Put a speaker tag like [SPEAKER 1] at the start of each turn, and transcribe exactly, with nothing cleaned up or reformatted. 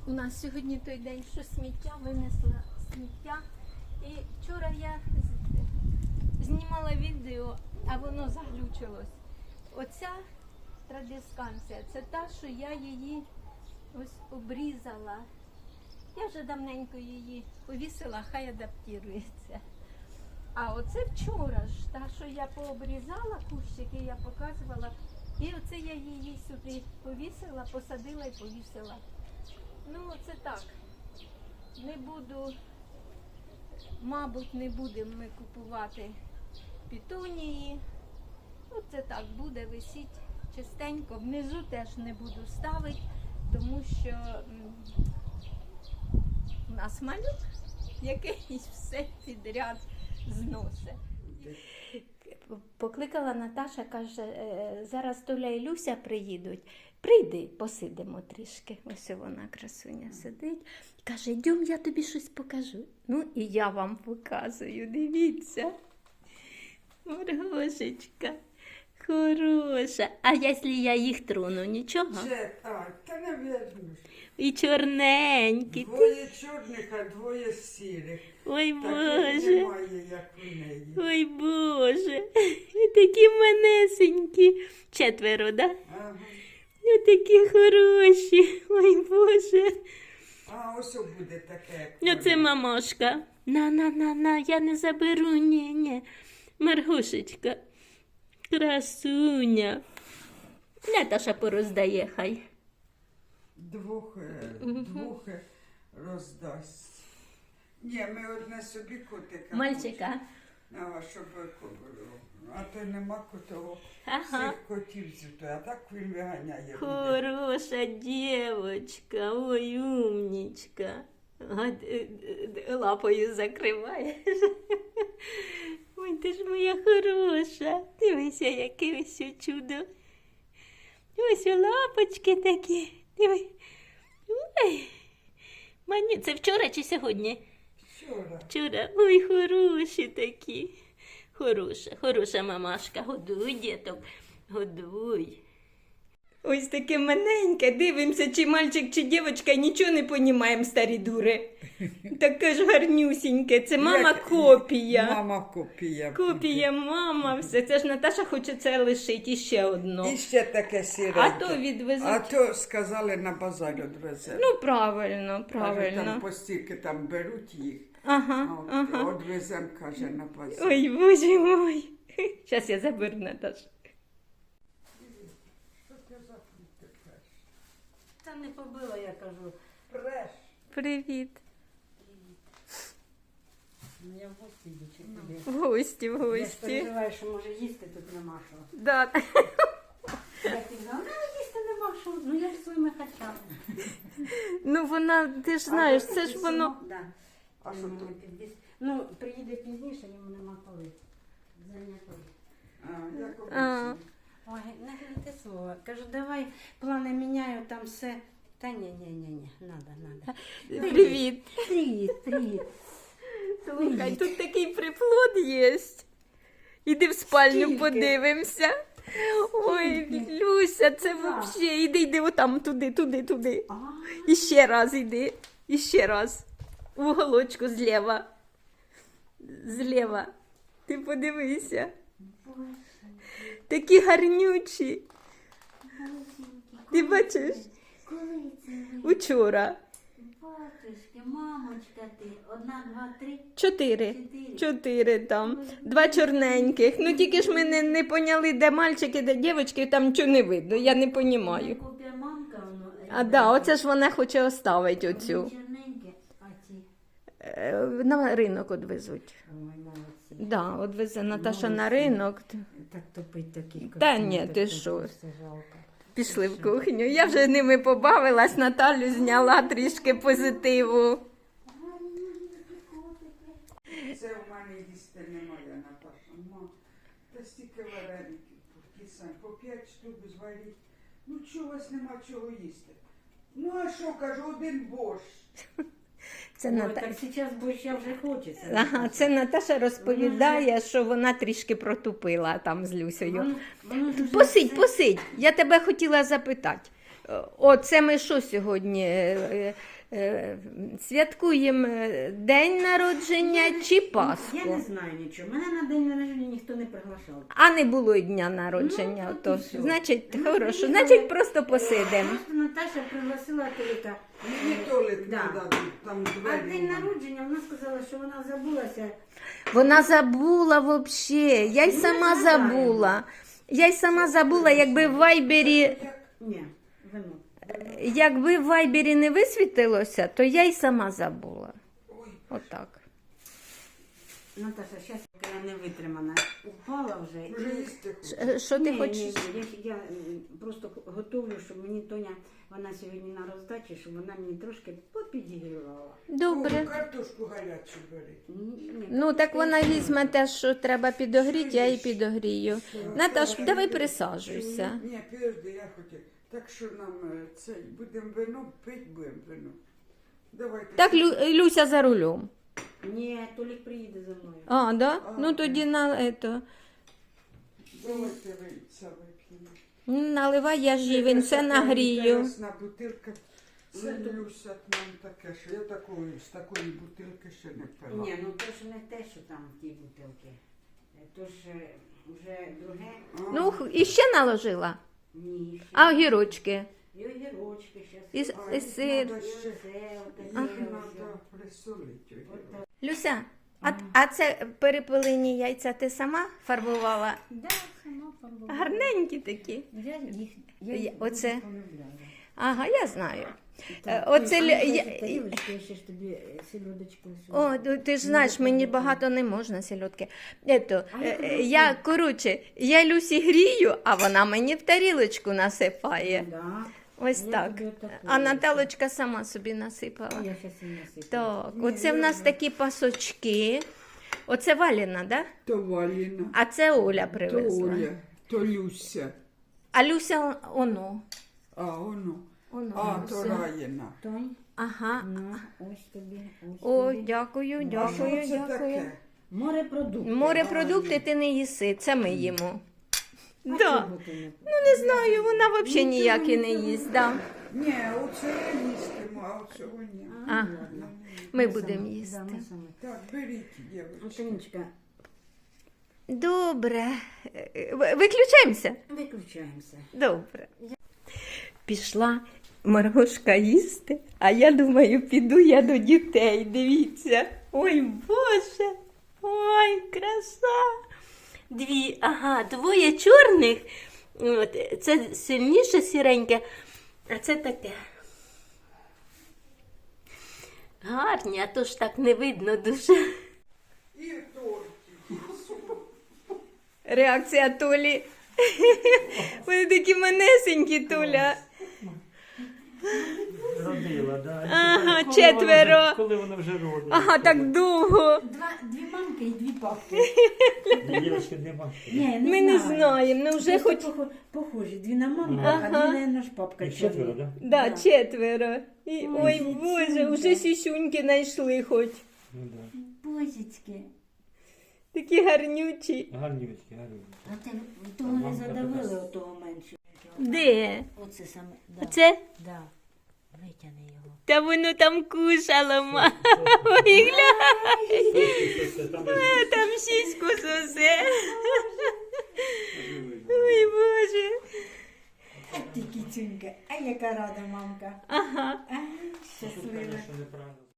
[SPEAKER 1] У нас сьогодні той день, що сміття, винесла сміття. І вчора я знімала відео, а воно заглючилось. Оця традисканція, це та, що я її ось обрізала. Я вже давненько її повісила, хай адаптується. А оце вчора ж, та, що я пообрізала кущики, я показувала. І оце я її сюди повісила, посадила і повісила. Ну, це так. Не буду, мабуть, не будемо ми купувати петунії. Оце так буде висіти чистенько. Внизу теж не буду ставити, тому що м, у нас малюк, який все підряд зносить. Покликала Наташа, каже, зараз Толя і Люся приїдуть. Прийди, посидимо трішки. Ось вона, красуня, сидить. Каже, йдем, я тобі щось покажу. Ну, і я вам показую, дивіться. Маргошечка, хороша. А якщо я їх трону, нічого?
[SPEAKER 2] Це так, та не вернусь.
[SPEAKER 1] І чорненькі.
[SPEAKER 2] Двоє чорних, а двоє сірих.
[SPEAKER 1] Ой,
[SPEAKER 2] Таких
[SPEAKER 1] Боже.
[SPEAKER 2] немає, як у неї.
[SPEAKER 1] Ой, Боже. І такі манесенькі. Четверо, да?
[SPEAKER 2] Ага.
[SPEAKER 1] І такі хороші. Ой, Боже.
[SPEAKER 2] А ось буде таке, як
[SPEAKER 1] Ну, це
[SPEAKER 2] вона.
[SPEAKER 1] мамошка. На-на-на-на, я не заберу, ні-ні. Маргушечка, красуня. Наташа пороздає хай.
[SPEAKER 2] Двох, е, двох е, роздасть. Ні, ми одне собі котика.
[SPEAKER 1] Мальчика.
[SPEAKER 2] А, щоб було. А то нема котового.
[SPEAKER 1] Ага.
[SPEAKER 2] Всіх котів зюто, а так він виганяє. буде.
[SPEAKER 1] Хороша дівочка, ой, умнічка. А, д- д- лапою закриваєш. Ой, ти ж моя хороша. Дивися, яке ось чудо. Ось лапочки такі. Диви. Ой. Мані... Це вчора чи сьогодні?
[SPEAKER 2] Вчора.
[SPEAKER 1] Вчора. Ой, хороші такі. Хороша, хороша мамашка. Годуй, діток, годуй. Ось таке маленьке, дивимося, чи мальчик, чи дівчинка, нічого не понімаємо, старі дури. Таке ж гарнюсіньке, це мама
[SPEAKER 2] Як-
[SPEAKER 1] копія.
[SPEAKER 2] Мама копія.
[SPEAKER 1] Копія, мама, все. Це ж Наташа хоче це лишити, і ще одно.
[SPEAKER 2] І ще таке сіреньке.
[SPEAKER 1] А то відвезуть.
[SPEAKER 2] А то сказали на базар відвезе.
[SPEAKER 1] Ну, правильно,
[SPEAKER 2] Каже,
[SPEAKER 1] правильно.
[SPEAKER 2] там постільки там беруть їх.
[SPEAKER 1] Ага,
[SPEAKER 2] А от
[SPEAKER 1] ага.
[SPEAKER 2] одвезем, каже, на базар.
[SPEAKER 1] Ой, Боже мой. Зараз я заберу, Наташу.
[SPEAKER 2] Що це за фрукти преш?
[SPEAKER 3] Та не побила, я кажу.
[SPEAKER 2] Преш.
[SPEAKER 1] Привіт.
[SPEAKER 3] Ну, я в гості йду чи куди.
[SPEAKER 1] В гості, в
[SPEAKER 3] Я ж
[SPEAKER 1] гості.
[SPEAKER 3] переживаю, що може їсти тут нема що.
[SPEAKER 1] Да.
[SPEAKER 3] Я казала, ну їсти нема що. Ну я ж своїми хачами.
[SPEAKER 1] Ну, вона, ти ж знаєш, це ж воно...
[SPEAKER 3] Да.
[SPEAKER 2] А що
[SPEAKER 3] Ну,
[SPEAKER 2] тут?
[SPEAKER 3] підвіз- Ну, приїде пізніше, йому нема коли. Зайнятий.
[SPEAKER 2] А, як
[SPEAKER 1] А.
[SPEAKER 2] обично.
[SPEAKER 3] Ой, не говорите слово. Кажу, давай плани міняю, там все. Та ні, ні, ні, ні, надо, надо.
[SPEAKER 1] Привіт.
[SPEAKER 3] Привіт, привіт.
[SPEAKER 1] Слухай, тут такий приплод є. Іди в спальню,
[SPEAKER 3] Скільки?
[SPEAKER 1] подивимося. Ой, Люся, це
[SPEAKER 3] Так.
[SPEAKER 1] взагалі. Іди, йди отам, туди, туди, туди.
[SPEAKER 3] А,
[SPEAKER 1] І ще раз іди. І ще раз. В уголочку зліва. Зліва. Ти подивися.
[SPEAKER 3] Боже,
[SPEAKER 1] Такі гарнючі. Ти бачиш?
[SPEAKER 3] коли це ви?
[SPEAKER 1] Учора.
[SPEAKER 3] Батюшки, мамочка ти, одна, два, три,
[SPEAKER 1] Чотири.
[SPEAKER 3] чотири.
[SPEAKER 1] Чотири там. Два чорненьких. Ну тільки ж ми не, не поняли, де мальчики, де дівчатки, там нічого не видно. Я не понімаю.
[SPEAKER 3] Купя мамка, воно.
[SPEAKER 1] А да, оце ж вона хоче оставити оцю.
[SPEAKER 3] Черненьке, а ці.
[SPEAKER 1] Е, На ринок одвезуть.
[SPEAKER 3] Ой, молодці.
[SPEAKER 1] Да, одвезе Наташа на
[SPEAKER 3] Молодці.
[SPEAKER 1] ринок.
[SPEAKER 3] Так топить таких.
[SPEAKER 1] Та ні, ти що?
[SPEAKER 3] Все жалко.
[SPEAKER 1] Пішли в кухню. Я вже ними побавилась, Наталю зняла трішки позитиву.
[SPEAKER 2] Це в мене їсти немає, Наташа. Ма, та стільки вареників, кисань, по п'ять штук зваріть. Ну чого у вас нема чого їсти? Ну а що, кажу, один борщ.
[SPEAKER 1] Це,
[SPEAKER 3] Ой,
[SPEAKER 1] Ната...
[SPEAKER 3] так зараз борща вже хочеться.
[SPEAKER 1] ага, це Наташа розповідає, що вона трішки протупила там з Люсею.
[SPEAKER 3] Воно- воно ж уже
[SPEAKER 1] Посидь,
[SPEAKER 3] все-
[SPEAKER 1] посидь. Я тебе хотіла запитати. О, це ми що сьогодні? Е, е, Святкуємо день народження чи
[SPEAKER 3] Я
[SPEAKER 1] Пасху?
[SPEAKER 3] не знаю нічого. Мене на день народження ніхто не приглашав.
[SPEAKER 1] А не було й дня народження.
[SPEAKER 3] Ну,
[SPEAKER 1] то,
[SPEAKER 3] от і всьо.
[SPEAKER 1] значить,
[SPEAKER 3] Ну,
[SPEAKER 1] хорошо.
[SPEAKER 3] приїхали.
[SPEAKER 1] Значить, просто посидимо.
[SPEAKER 3] Просто Наташа пригласила Толіка.
[SPEAKER 2] Мені Толик
[SPEAKER 3] Да.
[SPEAKER 2] надо, там
[SPEAKER 3] А
[SPEAKER 2] двері.
[SPEAKER 3] в день народження вона сказала, що вона забулася.
[SPEAKER 1] Вона забула взагалі. Я й
[SPEAKER 3] Ну,
[SPEAKER 1] сама
[SPEAKER 3] не
[SPEAKER 1] забула. Я й сама забула, якби в Вайбері,
[SPEAKER 3] Ні, вино.
[SPEAKER 1] якби в Вайбері не висвітилося, то я й сама забула.
[SPEAKER 2] Ой,
[SPEAKER 1] Отак.
[SPEAKER 3] Наташа, зараз я не витримана. Упала вже.
[SPEAKER 2] вже їсти хочу.
[SPEAKER 1] Ш- Що ти
[SPEAKER 3] Ні,
[SPEAKER 1] хочеш?
[SPEAKER 3] ні, ні, Я, я м, просто готовлю, щоб мені Тоня, вона сьогодні на роздачі, щоб вона мені трошки попідігрівала.
[SPEAKER 1] Добре.
[SPEAKER 2] О, картошку гарячу бери.
[SPEAKER 3] Ні, ні,
[SPEAKER 1] Ну, так вона візьме те, що треба підогріти, я її підогрію. Наташ, давай присаджуйся.
[SPEAKER 2] Ні, підожди, я хотів. Так що нам е, це, будемо вино, пити будемо вино. Давайте.
[SPEAKER 1] Так, Лю- Люся за рулем.
[SPEAKER 3] Ні, Толік приїде за мною.
[SPEAKER 1] А, да? Ну тоді на ето.
[SPEAKER 2] Давайте ви це вип'ємо.
[SPEAKER 1] Ну, наливай, я ж їй він все нагрію.
[SPEAKER 2] Інтересна бутилка. Це Люся нам таке, що я такої, з такої бутилки ще не пила.
[SPEAKER 3] Ні, ну то ж не те, що там в тій бутилки. То ж е, вже друге.
[SPEAKER 1] Ну, х- і ще наложила.
[SPEAKER 3] Ні. ще.
[SPEAKER 1] А огірочки.
[SPEAKER 3] І огірочки ще.
[SPEAKER 1] І, с-
[SPEAKER 2] А,
[SPEAKER 1] і сир.
[SPEAKER 2] надо ще,
[SPEAKER 3] Це отаке.
[SPEAKER 2] їх
[SPEAKER 3] ось.
[SPEAKER 2] треба присолити.
[SPEAKER 3] Отак.
[SPEAKER 1] Люся, а, а це перепилені яйця ти сама фарбувала?
[SPEAKER 3] Да, сама фарбувала.
[SPEAKER 1] Гарненькі такі.
[SPEAKER 3] Я їх,
[SPEAKER 1] Я-
[SPEAKER 3] я їх
[SPEAKER 1] оце-
[SPEAKER 3] дуже полюбляю.
[SPEAKER 1] Ага, я знаю.
[SPEAKER 3] Так,
[SPEAKER 1] оце
[SPEAKER 3] ой,
[SPEAKER 1] лю-
[SPEAKER 3] а ну,
[SPEAKER 1] я-
[SPEAKER 3] дай тарілочку, я ще ж тобі е, сільодочку сюди.
[SPEAKER 1] О, ну, ти ж знаєш, мені багато не можна сільотки. Ето,
[SPEAKER 3] А я
[SPEAKER 1] е,
[SPEAKER 3] тобі
[SPEAKER 1] е, я, коротше, я Люсі грію, а вона мені в тарілочку насипає.
[SPEAKER 3] Да.
[SPEAKER 1] Ось
[SPEAKER 3] Я
[SPEAKER 1] так.
[SPEAKER 3] тобі отаку
[SPEAKER 1] А
[SPEAKER 3] роблю.
[SPEAKER 1] Наталочка сама собі насипала.
[SPEAKER 3] Я щас і насиплю.
[SPEAKER 1] Так,
[SPEAKER 2] Ні,
[SPEAKER 1] оце в нас
[SPEAKER 2] я-
[SPEAKER 1] такі пасочки. Оце Валіна, да?
[SPEAKER 2] То Валіна,
[SPEAKER 1] А це Оля
[SPEAKER 2] то
[SPEAKER 1] привезла.
[SPEAKER 2] Оля, то Люся.
[SPEAKER 1] А Люся о- оно.
[SPEAKER 2] А, воно.
[SPEAKER 1] Оно
[SPEAKER 2] А, то
[SPEAKER 1] Люся.
[SPEAKER 2] Раїна.
[SPEAKER 3] Тонь,
[SPEAKER 1] Ага.
[SPEAKER 3] ну, ось тобі, ось
[SPEAKER 1] О,
[SPEAKER 3] тобі.
[SPEAKER 1] дякую,
[SPEAKER 2] А що
[SPEAKER 1] дякую,
[SPEAKER 2] це
[SPEAKER 1] дякую.
[SPEAKER 2] таке?
[SPEAKER 3] Морепродукти.
[SPEAKER 1] Морепродукти ти не їси, це ми їмо.
[SPEAKER 3] А
[SPEAKER 1] Да.
[SPEAKER 3] чого ти не
[SPEAKER 1] Ну не знаю, вона взагалі ніякі не їсть. Да.
[SPEAKER 2] Ні, оце я їстиму, а оцього ні.
[SPEAKER 3] А,
[SPEAKER 1] А.
[SPEAKER 3] ладно.
[SPEAKER 1] Ми
[SPEAKER 3] Ми
[SPEAKER 1] будемо
[SPEAKER 3] самі-
[SPEAKER 1] їсти.
[SPEAKER 3] да, ми самі.
[SPEAKER 2] Так, беріть, дівчатки.
[SPEAKER 3] Антонічка,
[SPEAKER 1] Добре. Е, ви- Виключаємося?
[SPEAKER 3] виключаємося.
[SPEAKER 1] Добре. Пішла Маргошка їсти, а я думаю, піду я до дітей. Дивіться. Ой, Боже! Ой, краса! Дві, ага, двоє чорних. От, це сильніше сіреньке, а це таке. Гарні, а то ж так не видно дуже.
[SPEAKER 2] І тортики.
[SPEAKER 1] Реакція Толі. Вони такі манесенькі, Толя.
[SPEAKER 4] Родила, да.
[SPEAKER 1] Ага,
[SPEAKER 4] Коли
[SPEAKER 1] четверо.
[SPEAKER 4] вона вже- Коли вона вже родила.
[SPEAKER 1] Ага, так довго.
[SPEAKER 3] Два, дві мамки і дві папки.
[SPEAKER 4] Дівчатки нема.
[SPEAKER 3] Ні,
[SPEAKER 1] Ми не знаємо, ну вже
[SPEAKER 3] Просто
[SPEAKER 1] хоч.
[SPEAKER 3] похо- похожі. Дві на маму,
[SPEAKER 1] Ага.
[SPEAKER 3] а дві, наверное, ж папка.
[SPEAKER 4] Їх четверо,
[SPEAKER 3] чорна.
[SPEAKER 4] да?
[SPEAKER 1] Да,
[SPEAKER 3] Да.
[SPEAKER 1] четверо. І,
[SPEAKER 3] Ой,
[SPEAKER 1] ой,
[SPEAKER 3] сісюнька.
[SPEAKER 1] Боже, вже сісюньки знайшли хоч.
[SPEAKER 4] Ну да.
[SPEAKER 3] Божечки.
[SPEAKER 1] Такі гарнючі.
[SPEAKER 4] Гарнівочки, гарнівочки.
[SPEAKER 3] А ти того не задавили, отого меншого.
[SPEAKER 1] Де?
[SPEAKER 3] Оце саме, да.
[SPEAKER 1] Це?
[SPEAKER 3] Да. Витягни його.
[SPEAKER 1] Та воно там кушало, ма. Ой, глянь. А, там сіську сосе. Ой, Боже.
[SPEAKER 3] А ти кіцюнька, а яка рада мамка.
[SPEAKER 1] Ага.
[SPEAKER 3] А, щаслива.
[SPEAKER 4] Що неправильно.